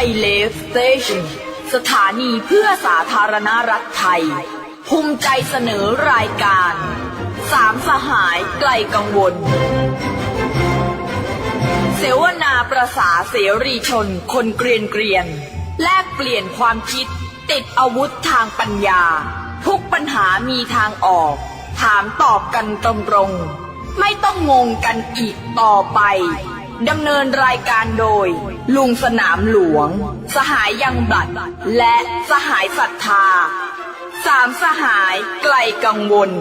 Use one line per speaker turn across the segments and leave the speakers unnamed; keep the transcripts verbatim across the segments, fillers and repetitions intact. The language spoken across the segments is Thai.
ยเลฟสเตชันสถานีเพื่อสาธารณรัฐไทยภูมิใจเสนอรายการสามสหายไกลกังวลเสวนาประสาเสรีชนคนเกรียนเกรียนแลกเปลี่ยนความคิดติดอาวุธทางปัญญาทุกปัญหามีทางออกถามตอบกันตรงๆไม่ต้องงงกันอีกต่อไปดำเนินรายการโดยลุงสนามหลวงสหายยังบลัดและสหายศรัทธาสามสหายไกลกังวล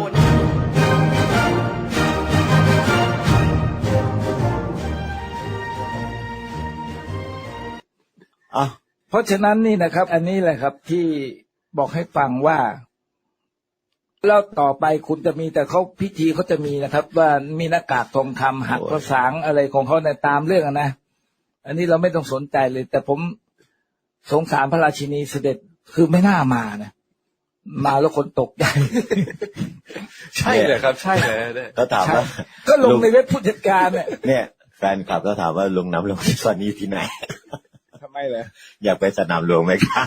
อ่ะเพราะฉะนั้นนี่นะครับอันนี้แหละครับที่บอกให้ฟังว่าแล้วต่อไปคุณจะมีแต่เขาพิธีเขาจะมีนะครับว่ามีหน้ากากทองคำหักภาษาอะไรของเขาในตามเรื่องนะอันนี้เราไม่ต้องสนใจเลยแต่ผมสงสารพระราชินีเสด็จคือไม่น่ามานะมาแล้วคนตกใจ
ใช่เลยครับใช่เลย
ก็ถามว่าก็ลงในเว็บผู้จัดการเนี่ย
เนี่ยแฟนคลับก็ถามว่าลุงน้ำลงที่ซอนนี้ที่ไหน
ทำไมเหรอ
อยากไปสนามหลวงไหมครับ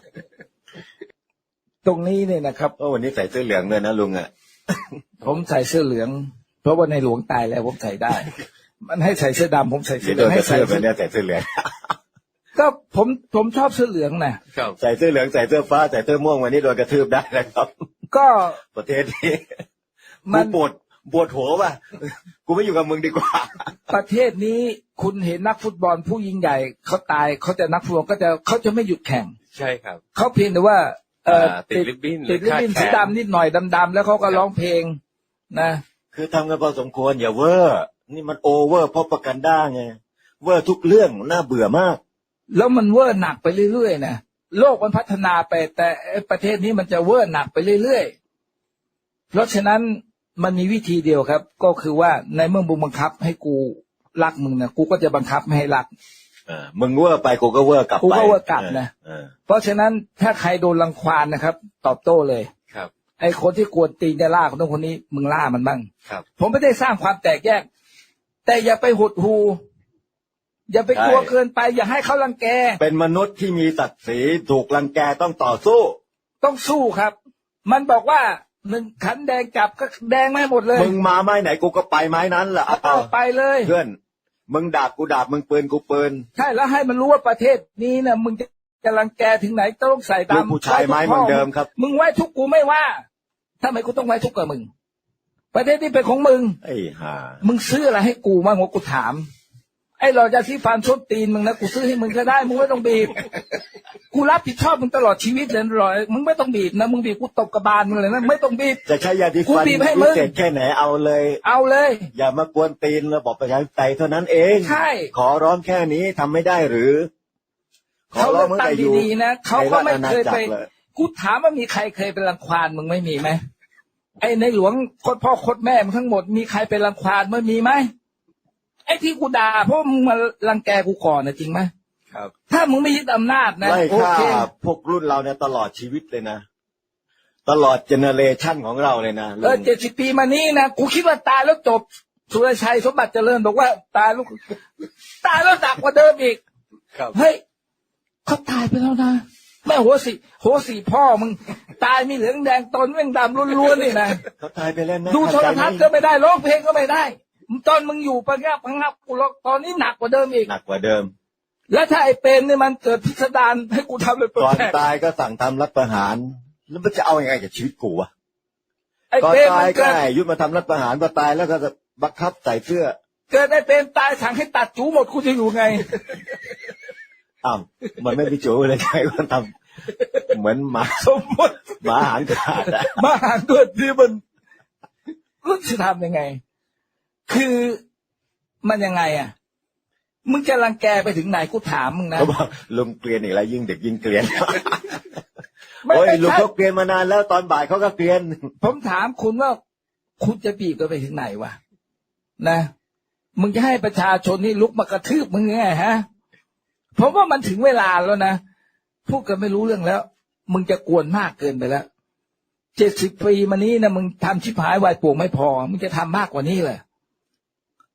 ตรงนี้เนี่ยนะครับ
โอ้วันนี้ใส่เสื้อเหลืองเลยนะลุงอ่ะ
ผมใส่เสื้อเหลืองเพราะว่าในหลวงตายแล้วผมใส่ได้มันให้ใส่เสื้อดำผมใส่เสื้อเหลืองให้ใส่เสื้อ
เนี่ยใส่เสื้อเหลือง
ก็ผมผมชอบเสื้อเหลืองนะ
ใส่เสื้อเหลืองใส่เสื้อฟ้าใส่เสื้อม่วงวันนี้โดนกระทืบได้นะครับ
ก็
ประเทศนี้มันปวดปวดหัวว่ะกูไม่อยู่กับมึงดีกว่า
ประเทศนี้คุณเห็นนักฟุตบอลผู้ยิ่งใหญ่เขาตายเขาจะนักฟุตบอลก็จะเขาจะไม่หยุดแข่ง
ใช่ครับ
เขาเพียงแต่ว่าเออ
ติดริบบิ้น
ติดริบบิ้นสีดำนิดหน่อยดำๆแล้วเขาก็ร้องเพลงนะ
คือทำกันพอสมควรอย่าเวอร์นี่มันโอเวอร์เพราะประกันได้ไงเวอร์ทุกเรื่องน่าเบื่อมาก
แล้วมันเวอร์หนักไปเรื่อยๆนะโลกมันพัฒนาไปแต่ประเทศนี้มันจะเวอร์หนักไปเรื่อยๆเพราะฉะนั้นมันมีวิธีเดียวครับก็คือว่าในเมื่อมึงบังคับให้กูรักมึงนะกูก็จะบังคับไม่ให้รัก
เออมึงเวอร์ไปกูก็เวอร์กลับไป
กูก็เวอร์กลับนะเพราะฉะนั้นถ้าใครโดนรังควานนะครับตอบโต้เลย
ครับ
ไอ้คนที่กวนตีนจะล่าคนนั้นคนนี้มึงล่ามันบ้าง
ครับ
ผมไม่ได้สร้างความแตกแยกแต่อย่าไปหดหูอย่าไปกลัวเกินไปอย่าให้เขารังแก
เป็นมนุษย์ที่มีศักดิ์ศรีถูกรังแกต้องต่อสู้
ต้องสู้ครับมันบอกว่าหนึ่งขันแดงจับก็แดงไม่หมดเลย
มึงมาไม้ไหนกูก็ไปไม้นั้นแหละ
เอาไปเลย
เพื่อนมึงดาบกูดาบมึงปืนกูปืน
ใช่แล้วให้มันรู้ว่าประเทศนี้นะมึงจะรังแกถึงไหนต้องใส่ตาม
ผู้ชายไม้เหมือนเดิมครับ
มึงไว้ทุกกูไม่ว่าทำไมกูต้องไว้ทุกกับมึงประเทศนี้เป็นของมึง
ไอ้ห่า
มึงซื้ออะไรให้กูบ้างวะกูถามไอ้เราจะที่ฟันชดตีนมึงนะกูซื้อให้มึงก็ได้มึงไม่ต้องบีบกูรับผิดชอบมึงตลอดชีวิตเลยรอยมึงไม่ต้องบีบนะมึงบีบกูตบกระบาลมึงเลยนะไม่ต้องบีบ
จะใช้ยาดีฟันพิเศษแค่ไหนเอาเลย
เอาเลย
อย่ามากวนตีนระบบประชาธิปไตยเท่านั้นเอง
ใช่
ขอร้องแค่นี้ทำไม่ได้หรือ
เขาเลือกตั้งดีๆนะเขาก็ไม่เคยไปกูถามว่ามีใครเคยเป็นรังควานมึงไม่มีไหมไอ้ในหลวงโคตรพ่อโคตรแม่มึงทั้งหมดมีใครเป็นรังควานไม่มีไหมไอ้ที่กูด่าเพราะมึงมารังแกกูก่อนนะจริงไหม
ครับ
ถ้ามึงไม่ยึดอำนาจนะ
ไล่ฆ่าพวกรุ่นเราเนี่ยตลอดชีวิตเลยนะตลอดเจเนเรชันของเราเลยนะ
เออเจ็ดสิบปีมานี้นะกูคิดว่าตายแล้วจบสุรชัยสมบัติเจริญบอกว่าตายแล้วตายแล้วหนักกว่าเดิมอีกเฮ้ยเขาตายไปแล้วนะแม่หัวสีหัวสีพ่อมึงตายมีเหลืองแดงตนแม่งดำล้วนๆนี่นะ
เขาตายไปแล้วนะ
ดูโทรทัศน์ก็ไม่ได้ร้องเพลงก็ไม่ได้ตอนมึงอยู่ปะงับปะงับกูร้องตอนนี้หนักกว่าเดิมอีก
หนักกว่าเดิม
แล้วถ้าไอ้เป็นเนี่ยมันเกิดพิสดารให้กูทำเลย
ก่อนตายก็สั่งทำรัฐประหารแล้วมันจะเอายังไงกับชีวิตกูวะ
ก่อน
ตายก็ให้ยุดมาทำรัฐประหารพอตายแล้วก็จะบังคับใส่เสื้อ
เกิดไอ้เป็นตายสั่งให้ตัดจูหมดกูจะอยู่ไง
อ้าวมันไม่มีจูเลยใครก็ทำเหมือนหมา
สมมติ
หมาหางขาด
หมาหางเกิดที่มันรู้จะทำยังไงคือมันยังไงอ่ะมึงจะรังแกไปถึงไหนกูถามมึงนะ
เขาบอกลุงเกลียนอีกแล้วยิ่งเด็กยิ่งเกลียนโอ้ยลุงเขาเกลียนมานานแล้วตอนบ่ายเขาก็เกลียน
ผมถามคุณว่าคุณจะบีบกันไปถึงไหนวะนะมึงจะให้ประชาชนนี่ลุกมากระทืบมึงไงฮะผมว่ามันถึงเวลาแล้วนะพูดกันไม่รู้เรื่องแล้วมึงจะกวนมากเกินไปแล้วเจ็ดสิบปีมานี้นะมึงทำชิบหายวายป่วงไม่พอมึงจะทำมากกว่านี้เลย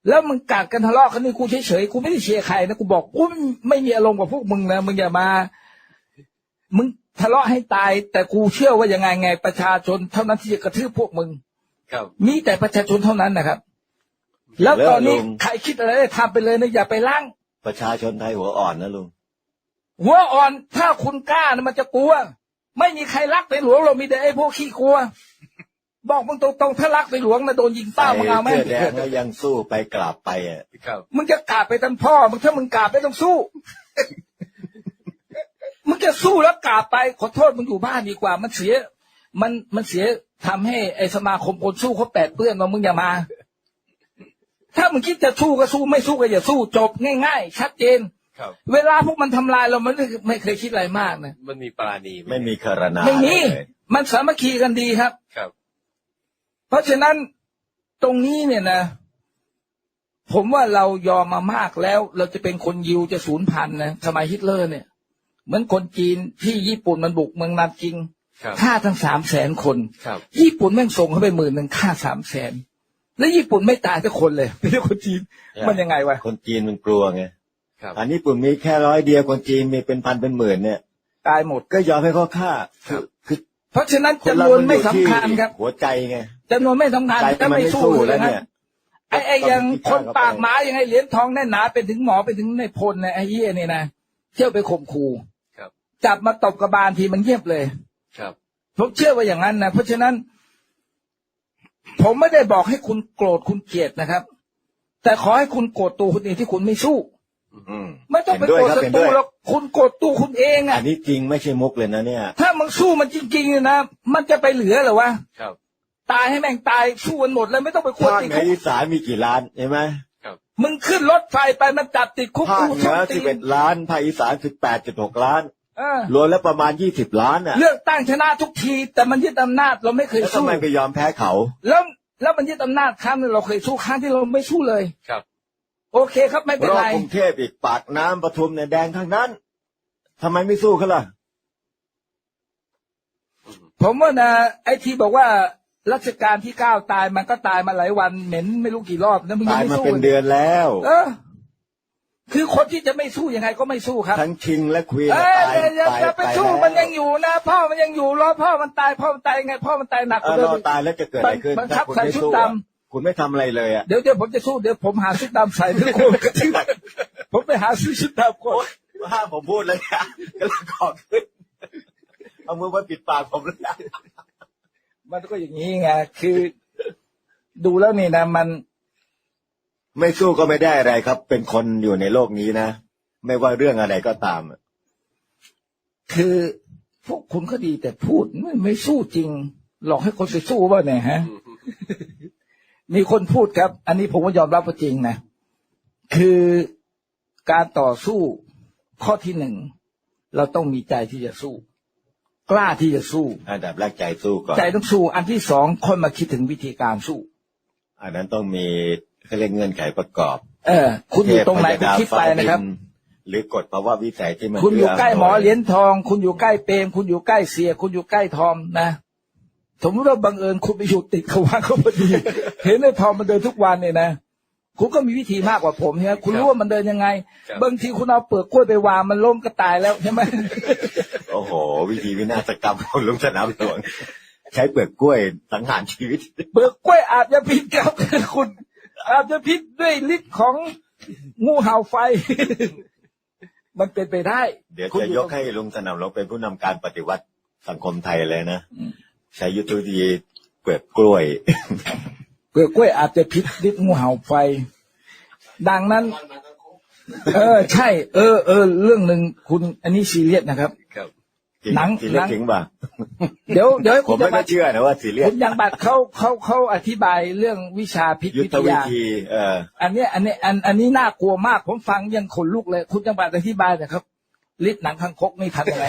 แล้วมึงกัดกันทะเลาะกันนี่กูเฉยๆกูไม่ได้เชียร์ใครนะกูบอกกูไม่มีอารมณ์กับพวกมึงนะมึงอย่ามามึงทะเลาะให้ตายแต่กูเชื่อว่ายังไงไงประชาชนเท่านั้นที่จะกระทืบพวกมึง
ครับ
มีแต่ประชาชนเท่านั้นนะครับแล้วตอนนี้ใครคิดอะไรได้ทำไปเลยนะอย่าไปล้าง
ประชาชนไทยหัวอ่อนนะลุง
หัวอ่อนถ้าคุณกล้านะมันจะกลัวไม่มีใครรักในหลวงเรามีแต่ไอ้พวกขี้กลัวบอกมึงตรงๆถ้ารักในหลวงนะโดนยิงเป้ามึงเอาไหม
เสื้อแดงแล้วยังสู้ไปกราบไปอ่ะ
ครับ
มึงจะกราบไปทั้งพ่อมึงถ้ามึงกราบไม่ต้องสู้ มึงจะสู้แล้วกราบไปขอโทษมึงอยู่บ้านดีกว่ามันเสียมันมันเสียทำให้ไอ้สมาคมคนสู้เขาแปดเปื้อนว่ามึงอย่ามา ถ้ามึงคิดจะสู้ก็สู้ไม่สู้ก็อย่าสู้จบง่ายๆชัดเจน
ครับ
เวลาพวกมันทำลายเรามันไม่ไม่เคยคิดอะไรมากนะ
มันมีปราณีห
ไม่มีคารนา
ไม่มี
เลย
มันสามัคคีกันดีครับ
ครับ
เพราะฉะนั้นตรงนี้เนี่ยนะ ผมว่าเรายอมมามากแล้ว เราจะเป็นคนยิวจะสูญพันธุ์นะสมัยฮิตเลอร์เนี่ย เหมือนคนจีนที่ญี่ปุ่นมันบุกเมืองนาจิง
ครับ
ฆ่าทั้งสามแสนคน
ครับ
ญี่ปุ่นแม่งส่งเข้าไปหมื่นหนึ่งฆ่าสามแสนแล้วญี่ปุ่นไม่ตายสักคนเลยไม่ใช่คนจีนมันยังไงวะ
คนจีนมันกลัวไง
ครับ
อันนี้ปุ่นมีแค่ร้อยเดียวคนจีนมีเป็นพันเป็นหมื่นเนี่ย
ตายหมด
ก็ยอมให้เขาฆ่าคือคือ
เพราะฉะนั้น
คนเรา
จำนวน
มันอ
ไม่
ยู่
สำ
ที่
คัญครับ
หัวใจไง
จำนวนไม่สำคัญ
ใจ
ถ้า
มัน
ไม่
ไม่
สู้
สู้
เล
แล้
ยว นะ
เนี่ย
ไอ้ไอ้ยัง
ต้อง
คน
เข้าไป
ปากหมายังไงเหรียญทองแน่นหนาเป็นถึงหมอเป็นถึงในพลนะไอ้เหี้ยนี่นะเที่ยวไปข่มขู่
ครับ
จับมาตบกระบาลทีมันเงียบเลย
ครับ
ผมเชื่อว่าอย่างนั้นนะเพราะฉะนั้น ผมไม่ได้บอกให้คุณโกรธคุณเกลียดนะครับ แต่ขอให้คุณโกรธตัวคุณเองที่คุณไม่สู้
อืม
ไม่ต้องไป
เห็นด้
โก
วย
รธ
ครับ
ศั
เห็น
ตรู
ด้วย
หรอกคุณโกรธตัวคุณเอง
อั
อ่ะ
นนี้จริงไม่ใช่มุกเลยนะเนี่ย
ถ้ามึงสู้มันจริงๆเนี่ยนะมันจะไปเหลือเหรอวะ
ครับ
ตายให้แม่งตายสู้กันหมดเลยไม่ต้องไปควร
ภาค
ติด
เหนื
คุ
อก อีสานมีกี่ล้านใช่ไหม
ครับ
มึงขึ้นรถไฟไปมันจับติดคุก
ภาค
กู
เหนื
ส้น
อ
ตี
สิบเอ็
น
ดล้านภาคอีสานสิบแปดจุดหกล้าน
เออ
รวมแล้วประมาณยี่สิบล้านอ่ะ
เลือกตั้งชนะทุกที แต่มันยึดอำนาจเราไม่เคย
แล้วทำ
สู้
ไมไปยอมแพ้เขา
แล้วแล้วมันยึดอำนาจครั้งนึงเราเคยสู้ครั้งที่เราไม่สู้เลย
ครับ
โอเคครับไม่เป็น
รอบ
ไร
กรุงเทพอีกปากน้ำปทุมเนี่ยแดงทั้งนั้นทำไมไม่สู้เขาล่ะ
ผมว่านะไอ้ที่บอกว่ารัชกาลที่เก้าตายมันก็ตายมาหลายวันเหม็นไม่รู้กี่รอบแล้วมึงยั
ตาง ย
ไม่
มา
สู้
เป็นเดือนแล้ว
เออ คือคนที่จะไม่สู้ยังไงก็ไม่สู้ครับ
ทั้งคิงและควีน
เออ
ตาย
อย่า
ตาย
อย่าไป
ตาย
สู้
แล้ว
มันยังอยู่นะพ่อมันยังอยู่รอพ่อมันตายพ่อมันตายยังไงพ่อมันตายหนักก
เอ
ว่า
อ
เดิ
ร
ม
อตายแล้วจะเกิดอะไรขึ้น
บังคั
ถ้า
บ
คุณ
ใส่
ไม่
ชุด
สู้
ด
อะคุณไม่ทำอะไรเลยอ่ะ
เดี๋ยวเดี๋ยวผมจะสู้เดี๋ยวผมหาชุดดำใส่ทุกคนกระทืบผมไปหาซื้อชุดดำก่อน
ห้ามผมพูดเลยนะก็เลยขอขึ้นเอามือมาปิดปากผมเลยนะ
มันก็อย่างนี้ไงคือ ดูแล้วนี่นะมัน
ไม่สู้ก็ไม่ได้อะไรครับ เป็นคนอยู่ในโลกนี้นะไม่ว่าเรื่องอะไรก็ตาม
คือพวกคุณก็ดีแต่พูดไม่ไม่สู้จริง หลอกให้คนไปสู้ว่าเนี่ยฮะ มีคนพูดครับ อันนี้ผมก็ยอมรับว่าจริงนะคือการต่อสู้ข้อที่หนึ่งเราต้องมีใจที่จะสู้ กล้าที่จะสู้
อันดับแรกใจสู้ก่อน
ใจต้องสู้ อันที่สองคนมาคิดถึงวิธีการสู้
อันนั้นต้องมีเขาเรียกเงื่อนไขประกอบ
เออ คุณอยู่ตรงไหนคุณคิดไปนะครับ
หรือกฎภาวะวิสัยที่มัน
คุณอยู่ใกล้หมอ
เ
เหรียญทอง คุณอยู่ใกล้เปรมคุณอยู่ใกล้เสีย คุณอยู่ใกล้ทอมนะสมมติว่าบังเอิญคุณไปอยู่ติดเขาว่าเขาพอดี เห็นไอ้ทอมมันเดินทุกวันเนี่ยนะคุณก็มีวิธีมากกว่าผมใช่ไหมคุณรู้ว่ามันเดินยังไง
ครับ
บางทีคุณเอาเปลือกกล้วยไปวางมันล้มก็ตายแล้วใช่ไหม
โอ้โห วิธีวินาศกรรมของลุงสนามหลวงใช้เปลือกกล้วยสังหารชีวิต
เปลือกกล้วยอาจจะพิษครับ คุณอาจจะพิษด้วยฤทธิ์ของงูเห่าไฟ มันเป็นไปได้
เดี๋ยว
คุณ
จะยกให้ลุงสนามหลวงเป็นผู้นำการปฏิวัติสังคมไทยเลยนะใช้ยุทธวิธีเปลือกกล้วย
เปลือกกล้วยอาจจะพิษฤทธิ์งูเห่าไฟ ดังนั้น เออ ใช่ เออเออเรื่องหนึ่งคุณอันนี้ซีเรียสนะครับ
ครับ
จริง
หนัง
สีเล็
หนั
ก
ง
จริงป่ะ
เดี๋ยวเดี๋ยวให้
ผ
คุ
ม
ณ
ไม่
ยัง
ก็
บัตร
เชื่อนะว่าสีเลีย
คุ
ส
ณยังบัตรเขาเขาเขาอธิบายเรื่องวิชาพิษ
ยุท
วิ
ธ
ท
วิ
ยา
ธีเออ
อันเนี้ยอันเนี้ยอันอันนี้น่ากลัวมาก ผมฟังยังขนลุกเลย คุณยังบัตรอธิบายหนะครับฤทธิ์หนังคังคกนี่ทำยังไง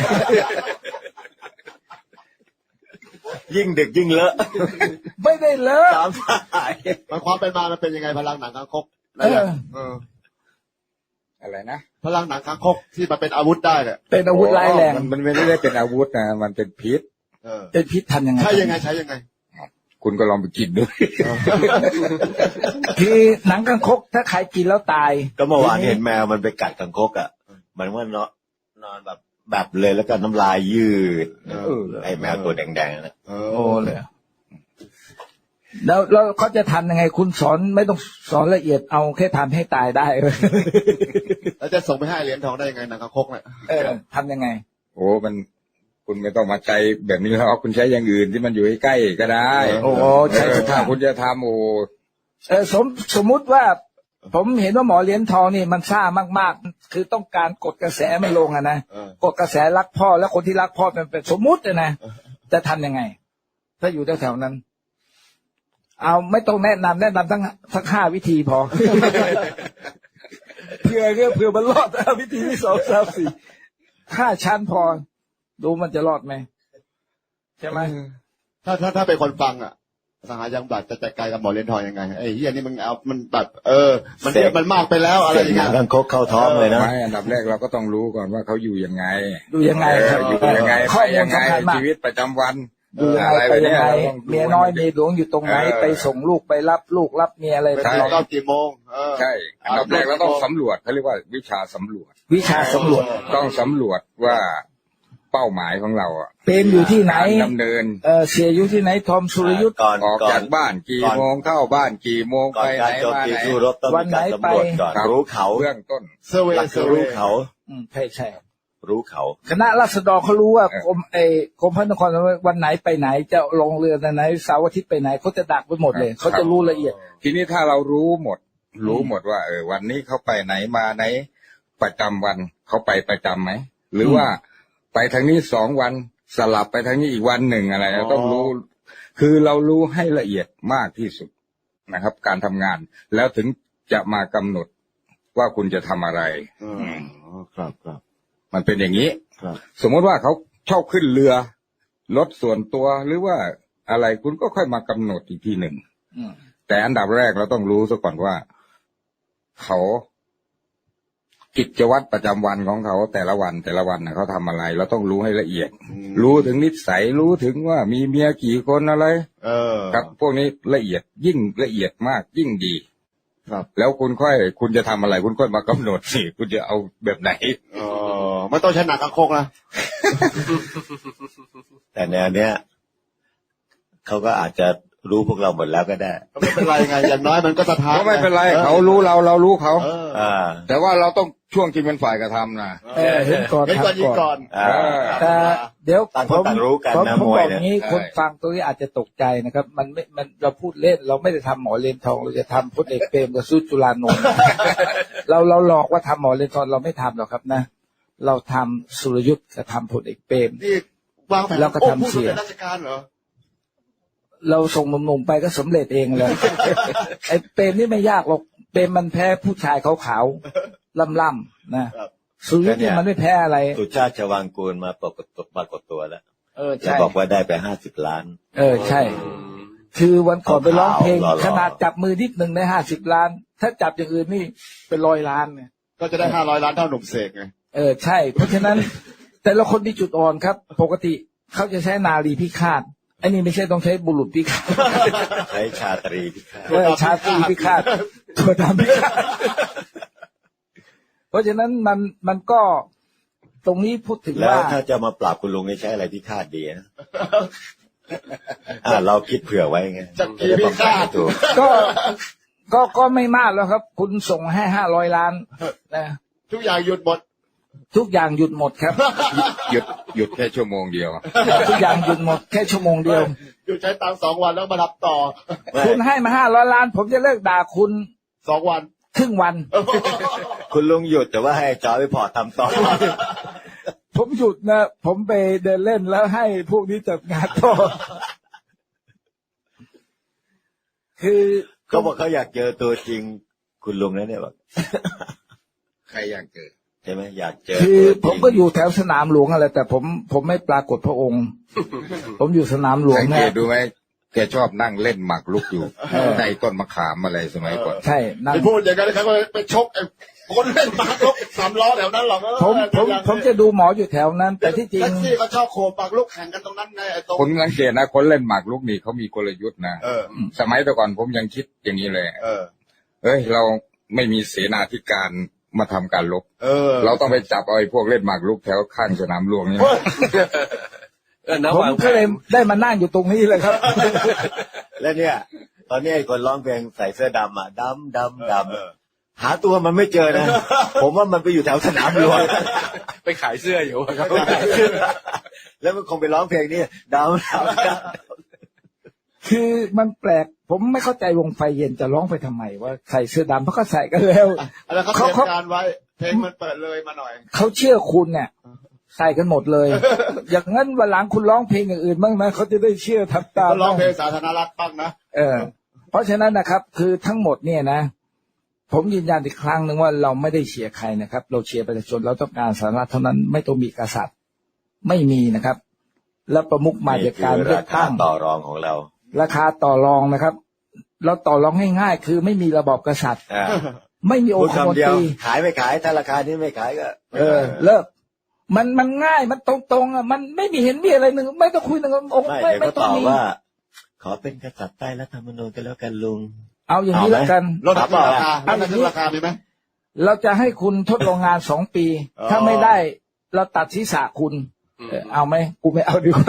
ยิ่งดึกยิ่งเลอะ
ไม่ได้เลอะ
ตามสาย
มันความเป็นมามันเป็นยังไงพลังหนังคางคก
เออ
เออ
อะไรนะ
พลังหนังคางคกที่มันเป็นอาวุธได้เนี่ย
เป็นอาวุธร้ายแรง
มันมันไม่ได้เป็นอาวุธนะมันเป็นพิษ
เออ
เป็นพิษทำยังไง
ใช้ยังไงใช้ยังไง
คุณก็ลองไปกินดู
คือหนังกังคกถ้าใครกินแล้วตาย
ก็เมื่อวานเห็นแมวมันไปกัดกังคกอ่ะมันว่านอนนอนแบบแบบเลยแล้วก็น้ำลายยืด
เออ
ไอ้แมวตัวแดงๆนะ
เอ
โอ้
อ
เลยแล้วแล้วเขาจะทำยังไงคุณสอนไม่ต้องสอนละเอียดเอาแค่ทำให้ตายได้
แล้วจะส่งไปให้เหรียญทองได้ยังไงหนังคางคกเนี่ย
เออทำยังไง
โอ้มันคุณไม่ต้องมาใจแบบนี้แล้วคุณใช้อย่างอื่นที่มันอยู่ใกล้ๆก็ได้
โอ้ใช่
เออถ้าคุณจะทำโอ้
เออสมสมมุติว่า ผมเห็นว่าหมอเหรียญทองนี่มันซ่ามากๆ คือต้องการกดกระแสมันลงอะนะ
เออก
ดกระแสรักพ่อแล้วคนที่รักพ่อเป็นเป็นสมมุติอะนะจะทำยังไง ถ้าอยู่แถวๆนั้น เอาไม่ต้องแนะนำแนะนำทั้งทั้งห้าวิธีพอ เพื่อเพื่อเพื่อมันรอดเอาวิธีที่สองสามสี่ห้าชั้นพอ ดูมันจะรอดไหมใช่ไหม
ถ้าถ้าถ้าเป็นคนฟังอ่ะสหายังบัตรจะจัดการกับหมอเหรียญทองยังไงไอ้เฮียนี่มึงเอามันแบบเออ มันเยอะมันมากไปแล้วอะไร
เสร็จ
อย่าง
หนั
เงี้
ง
ย
กังคกเข้าท้องเลยนะ
ไม่อันดับแรกเราก็ต้องรู้ก่อนว่าเขาอยู่ยังไง
ดูยังไง
เอ
ครับ
ออยู่ยังไง
ข้
ไป
อมูล
ยังไง
สำคัญมาก
ชีวิตประจำวัน
ดูยัง
อะไร
ไงไป
แบบ
ยัง
เนี้ย
ไง
เราต้อง
เมียน้อยเมียหลวงอยู่ตรงไหน
เออ
ไปส่งลูกไปรับลูกรับเมียอะไร
ไป
ตลอด
เก้ากี่โมงเออ
ใช่อันดับแรกเราต้องสำรวจเขาเรียกว่าวิชาสำรวจ
วิชาสำรวจ
ต้องสำรวจว่าเป้าหมายของเราอ่ะ
เป็นอยู่ที่ไหน
การดำเนิน
เออเสียอยู่ที่ไหนทอมสุรยุทธ์
ก่อน
ออก
ก่อ
จาน กบ้านกี่
ก่อน
โมงเข้าบ้านกี่โมง
ก่อ
ไป
น
ไหน
การโจม
มา
ตี
ไหน
สู้รบต้อง
วั
มี
นไหน
การสำรวจก่อน
ครับ
รู้เขา
เบื้องต้น
เซอร์เว
หลั
ย์
ก
เซอร์เว
รู้
ย์
เขา
อืมใช่ใช่
รู้เขา
คณะราษฎรเขารู้ว่า
เออ
กรมไอ้กรมพระนครวันไหนไปไหนจะลงเรือวันไหนเสาร์อาทิตย์ไปไหนเขาจะดักไปหมดเลยเขาจะรู้ละเอียด
ทีนี้ถ้าเรารู้หมด รู้หมดว่าเออวันนี้เขาไปไหนมาไหนประจำวันเขาไปประจำไหมหรือว่าไปทางนี้สองวันสลับไปทางนี้อีกวันหนึ่งอะไรเราต้องรู้ คือเรารู้ให้ละเอียดมากที่สุดนะครับ การทำงาน แล้วถึงจะมากำหนดว่าคุณจะทำอะไร
อ๋อครับครับ
มันเป็นอย่างนี้
ครับ
สมมติว่าเขาชอบขึ้นเรือรถส่วนตัวหรือว่าอะไรคุณก็ค่อยมากำหนดอีกทีหนึ่ง
อืม
แต่อันดับแรกเราต้องรู้ซะก่อนว่า เขากิจวัตรประจำวันของเขาแต่ละวันแต่ละวันนะเขาทำอะไร เราต้องรู้ให้ละเอียด
อืม
รู้ถึงนิสัยรู้ถึงว่ามีเมียกี่คนอะไร
เออ
ครับ พวกนี้ละเอียดยิ่งละเอียดมากยิ่งดี
ครับ
แล้วคุณค่อย คุณจะทำอะไร คุณค่อยมากำหนดสิคุณจะเอาแบบไหน
เออไม่ต้องใช้หนังกางคกนะ
แต่แนวเนี้ยเขาก็อาจจะรู้พวกเราหมดแล้วก็ได้
ก็ไม่เป็นไรไงอย่างน้อยมันก็สะท้าน
ก็ไม่เป็นไร
ออ
เขารู้เราเรารู้เขา
เออ
อ่า
แต่ว่าเราต้องช่วงที่เป็นฝ่ายกระทำนะ
เออเห็นก่อน
เห็นก่อน
ทำ
ยิงก่อน
อ่า
แต่เดี๋ยว
ต่าง
ผ
คน
ม
ต่างรู้กัน
ผม
นะ
ผม
มวย
บอก
เนี่ย
งี้
ใช่
คนฟังตรงนี้อาจจะตกใจนะครับ มันไม่มันเราพูดเล่น เราไม่ได้ทำหมอเลนทองเราจะทำพลเอกเปรมกับสุจุลานนท์ เราเราหลอกว่าทำหมอเลนทองเราไม่ทำหรอกครับนะ เราทำสุรยุทธ์กับทำพลเอกเปรม
นี่วางแผน
แล้วก็ทำ
โอ้พูด
เสีย
เป็นราชการเหรอ
เราส่งหนุ่มๆไปก็สำเร็จเองเลย ไอ้เปรมนี่ไม่ยากหรอกเปรมมันแพ้ผู้ชายขาวๆล่ำๆนะครับ สุรยุทธ์นี่มันไม่แพ้อะไร
สุชาติชวางกูลมาปรากฏตัวปรากฏตัวแล้ว
เออ
แล้ว
ใช่
บอกว่าได้ไปห้าสิบล้าน
เออใช่ คือวันก่อนไปร้องเพลง
หล่อๆ
ขนาดจับมือนิดหนึ่งได้ห้าสิบล้าน ถ้าจับอย่างอื่นนี่เป็นร้อยล้านเนี่ย
ก็จะได้ห้าร้อยล้านเท่าหนุ่มเสกไง
เออใช่ เพราะฉะนั้น แต่ละคนมีจุดอ่อนครับ ปกติเขาจะใช้นารีพิฆาตอันนี้ไม่ใช่ต้องใช้บุรุษพิฆาต
ใช้ชาตรีพิฆาต
เออชาตรีพิฆาตตัวดำพิฆาตเพราะฉะนั้นมันมันก็ตรงนี้พูดถึง
แล้ว
ว่า
ถ้าจะมาปราบคุณลุงให้ใช้อะไรพิฆาตดีนะอ่าเราคิดเผื่อไว้ไง
จักรีพิฆาต
ถูก
ก็ก็ก็ไม่มากแล้วครับ คุณส่งให้ห้าร้อยล้านนะ
ทุกอย่างหยุดหมด
ทุกอย่างหยุดหมดครับ
หยุดหยุดแค่ชั่วโมงเดียว
ทุกอย่างหยุดหมดแค่ชั่วโมงเดียว
หยุดใช้ตังค์สองวันแล้วมารับต่อ
ไม่
คุณให้มาห้าร้อยล้าน ผมจะเลิกด่าคุณ
สองวัน
ครึ่งวัน
คุณลุงหยุดแต่ว่าให้จอยไปพอทำต่อ
ผมหยุดนะ ผมไปเดินเล่นแล้วให้พวกนี้จัดงานต่อ คือ
เขาบอกเขาอยากเจอตัวจริงคุณลุงนะเนี่ยบอก
ใครอยากเจอ
ใช่ไหมอยากเจอ
คือ
ตัวจริง
ผมก็อยู่แถวสนามหลวงอะไรแต่ผมผมไม่ปรากฏพระองค์ ผมอยู่สนามหลวง
สัง
นะ
เกตดูไหมแกชอบนั่งเล่นหมากรุกอยู่ใต้ต้นมะขามอะไรสมัยก่อน
ใช่นั่ง
ไปพูดอย่างนั้นเขาก็ไปชกไอ้คนเล่นปากลุกสามล้อแถวนั้นหรอก
ผมผมผมจะดูหมออยู่แถวนั้น แต่ที่จริง
แท็กซี่ก็ชอบโคปากลุกแข่งกันตรงนั้นไงไอ้ตรง
ผมสังเกตนะคนเล่นหมากรุกนี่เขามีกลยุทธ์นะ
เออ
สมัยแต่ก่อนผมยังคิดอย่างนี้เลย
เออ
เอ้ย เราไม่มีเสนาธิการมาทำการรบ
เออ
เราต้องไปจับเอาไอ้พวกเล่นหมากรุกแถวข้างสนามหลวงนี่
เออนะ
ผม
วางแผ
ก็เลย
น
ได้มานั่งอยู่ตรงนี้เลยครับ
แล้วเนี่ย ตอนนี้ไอ้คนร้องเพลงใส่เสื้อดำอ่ะดำดำด
เออ
ำหาตัวมันไม่เจอนะ ผมว่ามันไปอยู่แถวสนามหลวง
ไปขายเสื้ออยู่ครับ
แล้วมันคงไปร้องเพลงนี้ดำดำดำ
คือมันแปลก ผมไม่เข้าใจวงไฟเย็นจะร้องไปทำไมว่าใส่เสื้อดำเพราะก็ใส่กันแล้ว
แล้วเขาเต
เขา
รียม
เขา
การไว้เพลงมันเปิดเลยมาหน่อย
เขาเชื่อคุณเนี่ยใส่กันหมดเลย อย่างนั้นวันหลังคุณร้องเพลงอย่างอื่นบ้างนะเขาจะได้เชื่อทำตาม
เขาร้องเพลงสาธารณรัฐบ้างนะ
เออ เพราะฉะนั้นนะครับ คือทั้งหมดเนี่ยนะ ผมยืนยันอีกครั้งหนึ่งว่าเราไม่ได้เชียร์ใครนะครับ เราเชียร์ประชาชนเราต้องการสาธารณรัฐเท่านั้นไม่ต้องมีกษัตริย์ ไม่มีนะครับ แล้วประมุขมาจากการเลือกตั้ง
ต่อรองของเรา
ราคาต่อรองนะครับ เราต่อรองง่ายๆคือไม่มีระบอบกษัตริย์
อ่า
ไม่มีอ
พู
ง
ด
คมน
คำเดียว
ตรี
ขายไม่ขายถ้าราคานี้ไม่ขายก็
เออ เลิก มันมันง่ายมันตรงๆอ่ะมันไม่มีเห็นมีอะไรหนึ่งไม่ต้องคุยหนึ่งองค์
ไม่
ไม่
เดี๋ยว
ไม่
ก็
ต้อ
ต
ง
อบ
มี
ว่า ขอเป็นกษัตริย์ใต้รัฐธรรมนูญกันแล้วกันลุง
เอาอย่างนี้
เอาไหม
แล้วกัน
ลดราคาลดราคามีไหม
เราจะให้คุณทดลองงานสองปี
อ๋อ
ถ้าไม่ได้ เราตัดศีรษะคุณเออเอาไหมกูไม่เอาดีกว่า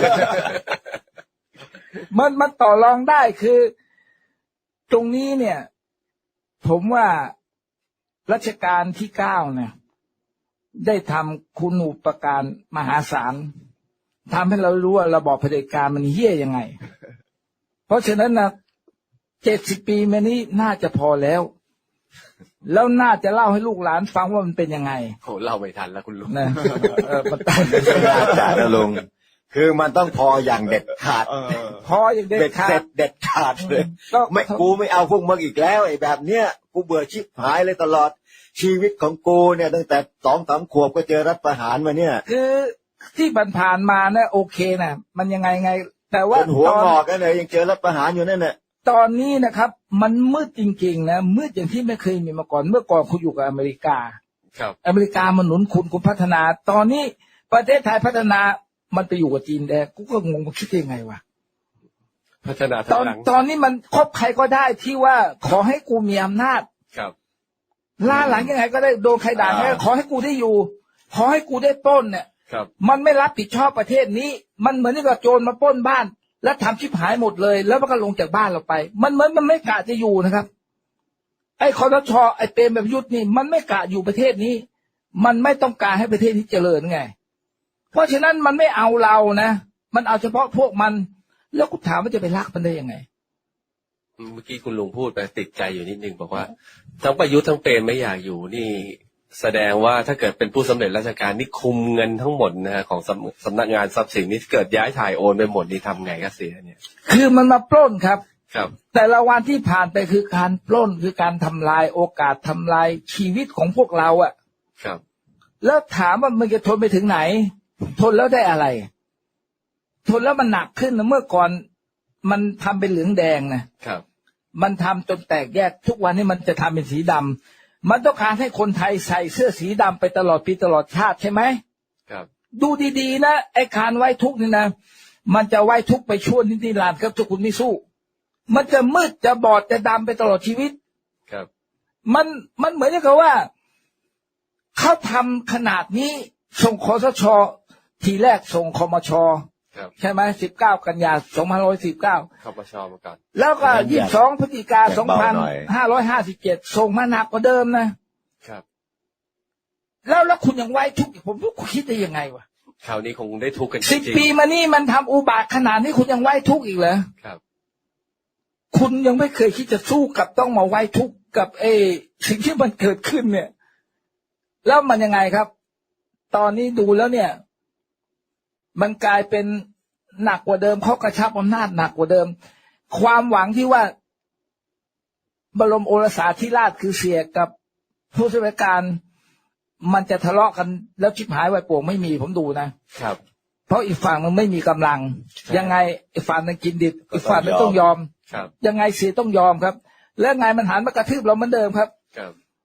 มันมันต่อรองได้คือ ตรงนี้เนี่ย ผมว่ารัชกาลที่เก้าเนี่ย ได้ทำคุณูปการมหาศาลทำให้เรารู้ว่าระบอบเผด็จการมันเหี้ยยังไง เพราะฉะนั้นนะเจ็ดสิบปีมานี้น่าจะพอแล้ว แล้วน่าจะเล่าให้ลูกหลานฟังว่ามันเป็นยังไง
โหเล่าไม่ทันแล้วคุณลุง
นะเออมันตาย
น่าจะนะลุง คือมันต้องพออย่างเด็ดขาด
เออ
พออย่างเด็ด
เด็ด
ขา
เสร็
ด
จเด็ดขาดเลย
ก็
ไม่กูไม่เอาพวกมึงอีกแล้วไอ้แบบเนี้ยกูเบื่อชิบหายเลยตลอดชีวิตของกูเนี่ยตั้งแต่สองสามขวบก็เจอรัฐประหารมาเนี่ย
คือที่ผ่านๆมานะโอเคนะมันยังไงไง แต่ว่า
จนหัว
ตอน
งอกกันเลยยังเจอรัฐประหารอยู่นั่นน่ะ
ตอนนี้นะครับ มันมืดจริงๆนะมืดอย่างที่ไม่เคยมีมาก่อนเมื่อก่อนคุณอยู่กับอเมริกา
ครับ
อเมริกามันหนุนคุณคุณพัฒนา ตอนนี้ประเทศไทยพัฒนามันไปอยู่กับจีนแดงกูก็งงว่าคิดยังไงวะ
พัฒนา
ต
ทา
อง น
หลัง
ตอนนี้มันครบใครก็ได้ที่ว่าขอให้กูมีอำนาจ
ครับ
ล่าหลังยังไงก็ได้โดนใครด่าไงขอให้กูได้อยู่ ขอให้กูได้ปล้นเนี่ย
ครับ
มันไม่รับผิดชอบประเทศนี้ มันเหมือนกับโจรมาปล้นบ้าน แล้วทำชิบหายหมดเลย แล้วมันก็ลงจากบ้านเราไป มันเหมือนมันไม่กะจะอยู่นะครับ ไอ้คอสชไอ้เปรมแบบยุทธนี่มันไม่กะอยู่ประเทศนี้ มันไม่ต้องการให้ประเทศนี้เจริญไง เพราะฉะนั้นมันไม่เอาเรานะมันเอาเฉพาะพวกมัน แล้วกูถามว่าจะไปรักมันได้ยังไง
เมื่อกี้คุณลุงพูดไปติดใจอยู่นิดนึงบอกว่าทั้งประยุทธ์ทั้งเปรมไม่อยากอยู่นี่ แสดงว่าถ้าเกิดเป็นผู้สำเร็จราชการนี่คุมเงินทั้งหมดนะฮะของสำสำนักงานทรัพย์สินนี่เกิดย้ายถ่ายโอนไปหมดนี่ทำไงก็เสียเนี่ย
คือมันมาปล้นครับ
ครับ
แต่ละวันที่ผ่านไปคือการปล้นคือการทำลายโอกาสทำลายชีวิตของพวกเราอะ
ครับ
แล้วถามว่ามันจะทนไปถึงไหน ทนแล้วได้อะไร ทนแล้วมันหนักขึ้นนะเมื่อก่อนมันทำเป็นเหลืองแดงนะครับ มันทำจนแตกแยกทุกวันนี้มันจะทำเป็นสีดำมันต้องการให้คนไทยใส่เสื้อสีดำไปตลอดปีตลอดชาติใช่ไหม
ครับ
ดูดีๆนะไอ้การไว้ทุกข์นี่นะมันจะไว้ทุกข์ไปชั่วนิรันดร์ครับถ้าคุณไม่สู้ มันจะมืดจะบอดจะดำไปตลอดชีวิต
ครับ
มันมันเหมือนกับว่าเขาทำขนาดนี้ส่งคสชทีแรกส่งคมช
ครับ
ใช่ไหมสิบเก้ากันยาสองพันร้อยสิบเก้า
เข้าปชมาก่อน
แล้วก็ยี่สิบสองพฤศจิกา
แบ่
สอง
งเบา
พัน
หน่อย
ห้าร้อยห้าสิบเจ็ดส่งมาหนักกว่าเดิมนะครับ แล้วแล้วคุณยังไว้ทุกข์อีกผมว่าคุณคิดได้ยังไงวะ
คราวนี้คงได้ทุกข์กันจ
สิบ
ริง
ปีมานี่มันทำอุบาทขนาดนี้คุณยังไว้ทุกข์อีกเหรอ
ๆครับ
คุณยังไม่เคยคิดจะสู้กับต้องมาไว้ทุกข์กับเอสิ่งที่มันเกิดขึ้นเนี่ย แล้วมันยังไงครับ ตอนนี้ดูแล้วเนี่ย มันกลายเป็นหนักกว่าเดิมเขากระชับอำนาจหนักกว่าเดิม ความหวังที่ว่า บรมโอรสาธิราชคือเสียกับผู้ช่วยการ มันจะทะเลาะกันแล้วชิบหายวายป่วงไม่มีผมดูนะครับ เพราะอีกฝั่งมันไม่มีกำลัง ยังไงอีกฝั่งนึงกินดิบอีกฝั่งนึงต้องยอม
ครับ
ยังไงเสียต้องยอมครับ แล้วไงมันหันมากระทืบเราเหมือนเดิมครับ
ครับ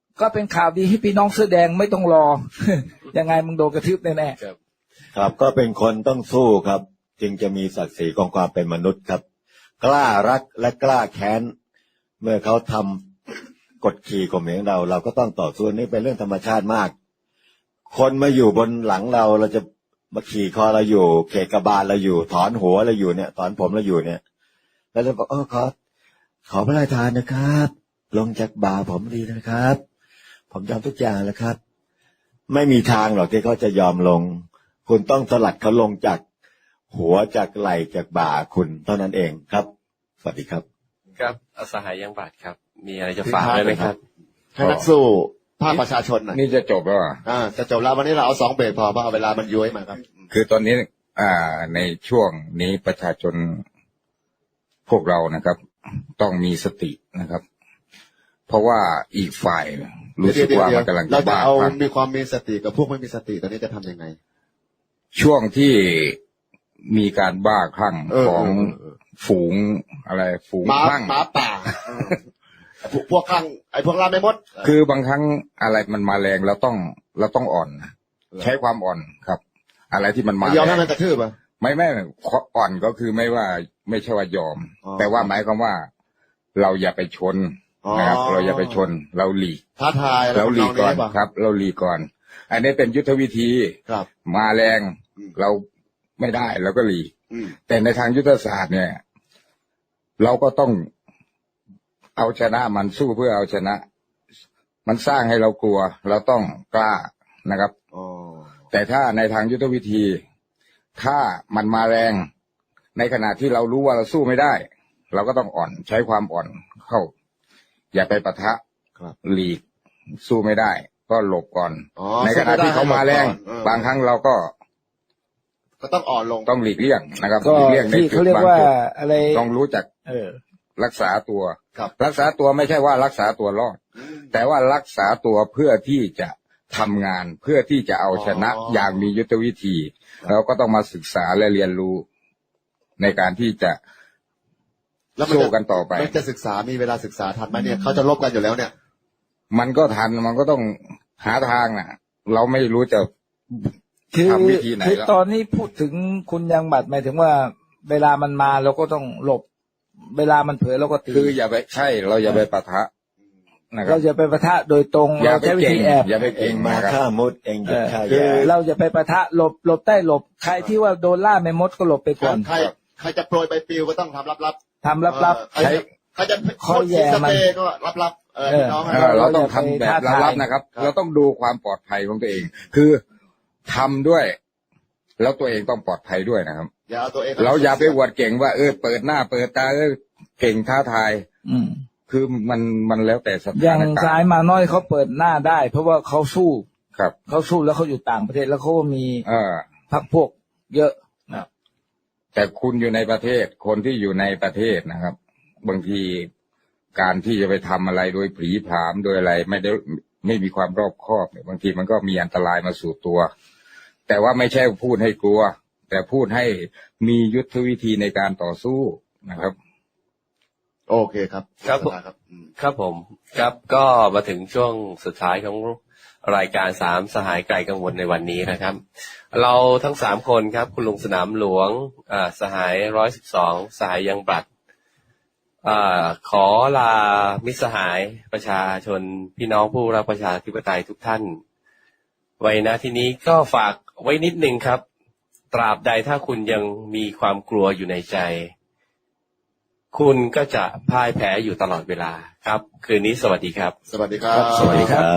ก็เป็นข่าวดีให้พี่น้องเสื้อแดงไม่ต้องรอ ยังไงมึงโดนกระทืบแน่
ครับ
ครับก็เป็นคนต้องสู้ครับ จึงจะมีศักดิ์ศรีของความเป็นมนุษย์ครับ กล้ารักและกล้าแค้นเมื่อเขาทำกดขี่ข่มเหงเรา เราก็ต้องต่อสู้นี่เป็นเรื่องธรรมชาติมาก คนมาอยู่บนหลังเราเราจะมาขี่คอเราอยู่เขกบาลเราอยู่ ถอนหัวเราอยู่เนี่ยถอนผมเราอยู่เนี่ยแล้วเราบอกเออขอขอพระราชทานนะครับ ลงจากบ่าผมดีนะครับ ผมยอมทุกอย่างแล้วครับ ไม่มีทางหรอกที่เขาจะยอมลง คุณต้องสลัดเขาลงจากหัวจากไหล่จากบ่าคุณเท่านั้นเองครับสวัสดีครับ
ครับอสหายยังบาดครับ มีอะไรจะฝากไหมครับ
ให้นักสู้ภาคประชาชนหน่อย
นี่จะจบแล้วเหรอ
อ่าจะจบแล้ววันนี้เราเอาสองเบรกพอเพราะเอาเวลามันย้อยมาครับ
คือตอนนี้ อ่า ในช่วงนี้ประชาชนพวกเรานะครับ ต้องมีสตินะครับ เพราะว่าอีกฝ่ายรู้สึกว่ามันกำลัง
เรา
จะ
จะ
บ้า
เอา
คลั่ง
มีความมีสติกับพวกไม่มีสติตอนนี้จะทำยังไง
ช่วงที่มีการบ้าคลั่ง
เออ
ของ
เออเออ
ฝูงอะไร ฝูง
หมา
คลั่ง
หมาป่าเออพวกพวกข้างไอ้พวกล่าไม่มด
คือบางครั้งอะไรมันมาแรงเราต้องเราต้องอ่อนนะใช้ความอ่อนครับ อะไรที่มันมาย
อม
แร
ให้
ง
มันกระทืบอ่ะ
ไม่ไม่อ่อนก็คือไม่ว่าไม่ใช่ว่ายอม
อ๋อ
แต่ว่าหมายความว่า เราอย่าไปชน
อ๋อ
นะครับ เราอย่าไปชน เราหลีก
ท้าทายอะไร
เราหลีกก่อน
ทำงนี้ป่ะ
ครับ เราหลีกก่อน อันนี้เป็นยุทธวิธี
ครับ
มาแรง
อืม
เราไม่ได้เราก็หลีก
อืม
แต่ในทางยุทธศาสตร์เนี่ย เราก็ต้องเอาชนะมันสู้เพื่อเอาชนะ มันสร้างให้เรากลัว เราต้องกล้านะครับ
อ๋อ
แต่ถ้าในทางยุทธวิธี ถ้ามันมาแรง ในขณะที่เรารู้ว่าเราสู้ไม่ได้ เราก็ต้องอ่อนใช้ความอ่อนเข้า อย่าไปปะทะ
ครับ
หลีก สู้ไม่ได้ ก็หลบก่อน
อ๋อ
ในขณะที่เขามาแรง
สู้ไม่ได้ให้หลบก่อนเออ
บางครั้งเราก็
ก็ต้องอ่อนลง
ต้องหลีกเลี่ยงนะครับ
ๆ ก็
หลีกเลี่ยงใน
ที่
จุ
เขา
ด
เรียก
บาง
ว่า
จุด
อะไร
ต้องรู้จัก
เออ
รักษาตัว
ครับ
รักษาตัวไม่ใช่ว่ารักษาตัวรอด
อืม
แต่ว่ารักษาตัวเพื่อที่จะทำงาน เพื่อที่จะเอาชนะ
อ๋อ
อ
อย่าง
มียุทธวิธี เราก็ต้องมาศึกษาและเรียนรู้ ในการที่จะ
แล้วมัน
สู้
จะ
กันต่อไป
มันจะศึกษามีเวลาศึกษาทันไหมเนี่ยเขาจะลบกันอยู่แล้วเนี่ย
มันก็ทันมันก็ต้องหาทางน่ะ เราไม่รู้จะ
คือ
ทำวิธีไหน
คือ
แล้ว
ตอนนี้พูดถึงคุณยังบัตรหมายถึงว่าเวลามันมาเราก็ต้องหลบ เวลามันเผลอเราก็ตี
คืออย่าไปใช่ เราอย่าไปปะทะนะครั
เรา
บ
จะไปปะทะโดยตรง
อย่า
เรา
ไป
ใช้วิ
เก่ง
ธีแอบ
อย่าไป
เอ
เก่
ง
ง
มา
นะครับ
ฆ่ามดเองหยุดฆ่า
คื
แย่
อเราจะไปปะทะหลบหลบใต้หลบ ใครที่ว่าโดนล่าไม่มดก็หลบไปก่อน
ใครใครจะโปรยใบปลิวก็ต้องทำลับ
ทำ
ๆ
ลับ
เออใครจะใครจะ
คอยแย่
ส
มัน
เปรย์ก็ลับๆเออ
เออ
พี่น้อง
เออเราต้องทำแบบ
เราอย่าไปท้าทาย
ลับๆนะครับ
ครับ
เราต้องดูความปลอดภัยของตัวเอง คือทำด้วย แล้วตัวเองต้องปลอดภัยด้วยนะครับ
อย่าเอาตัวเอง
เราอย่าไปอวดเก่งว่าเออเปิดหน้าเปิดตาเออเก่งท้าทาย
ๆอืม
คือมันมันแล้วแต่ส
อ
ถา
ย่าง
นกา
สาร ย
ณ์
มาน้อยเขาเปิดหน้าได้ เพราะว่าเขาสู้
ครับ
เขาสู้แล้วเขาอยู่ต่างประเทศแล้วเขาก็มี
เออ
พรรคพวกเยอะนะ
แต่คุณอยู่ในประเทศ คนที่อยู่ในประเทศนะครับ บางทีการที่จะไปทำอะไรโดยผีผามโดยอะไร ไม่ได้ไม่มีความรอบคอบเนี่ยบางทีมันก็มีอันตรายมาสู่ตัว แต่ว่าไม่ใช่พูดให้กลัว แต่พูดให้มียุทธวิธีในการต่อสู้นะครับ
โอเคครับ
ครับ
สภาครับอืม
ครับผมครับก็มาถึงช่วงสุดท้ายของรายการสามสหายไกลกังวลในวันนี้นะครับ เราทั้งสามคนครับ คุณลุงสนามหลวงอ่าสหายร้อยสิบสองสหายยังบลัดอ่าขอลามิตรสหายประชาชนพี่น้องผู้รักประชาธิปไตยทุกท่าน ไว้นะทีนี้ก็ฝากไว้นิดนึงครับ ตราบใดถ้าคุณยังมีความกลัวอยู่ในใจ คุณก็จะพ่ายแพ้อยู่ตลอดเวลาครับ คืนนี้สวัสดีครับ
สวัสดีครับ
สวัสดีครับ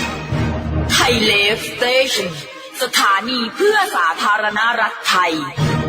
ไทยเลฟสเตชันสถานีเพื่อสาธารณรัฐไทย